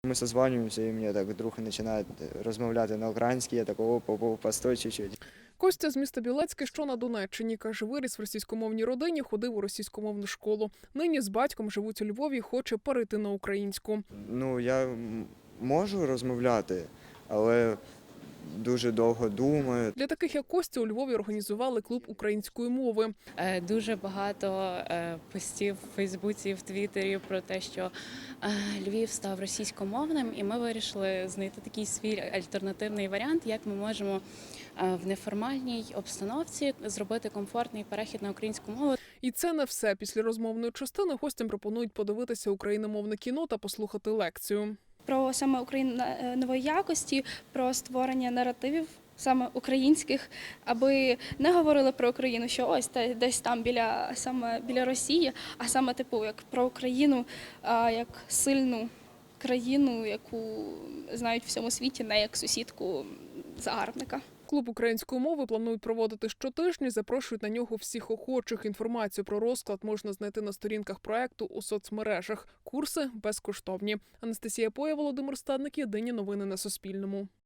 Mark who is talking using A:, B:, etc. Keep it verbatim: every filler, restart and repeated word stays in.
A: Ми созванюємося, і мені так друг починає розмовляти на українській, я такого по постой чуть-чуть.
B: Костя з міста Білецьке, що на Донеччині, каже, виріс в російськомовній родині, ходив у російськомовну школу. Нині з батьком живуть у Львові і хоче перейти на українську.
A: Ну, я можу розмовляти, але дуже довго думаю.
B: Для таких, як Костя, у Львові організували клуб української мови.
C: Дуже багато постів в Фейсбуці, в Твіттері про те, що Львів став російськомовним, і ми вирішили знайти такий свій альтернативний варіант, як ми можемо в неформальній обстановці зробити комфортний перехід на українську мову.
B: І це не все. Після розмовної частини гостям пропонують подивитися україномовне кіно та послухати лекцію.
D: Про саме Україну нової якості, про створення наративів саме українських, аби не говорили про Україну, що ось та десь там біля саме біля Росії, а саме типу як про Україну як сильну країну, яку знають в всьому світі, не як сусідку загарбника.
B: Клуб української мови планують проводити щотижня, запрошують на нього всіх охочих. Інформацію про розклад можна знайти на сторінках проекту у соцмережах. Курси безкоштовні. Анастасія Поя, Володимир Стадник. Єдині новини на Суспільному.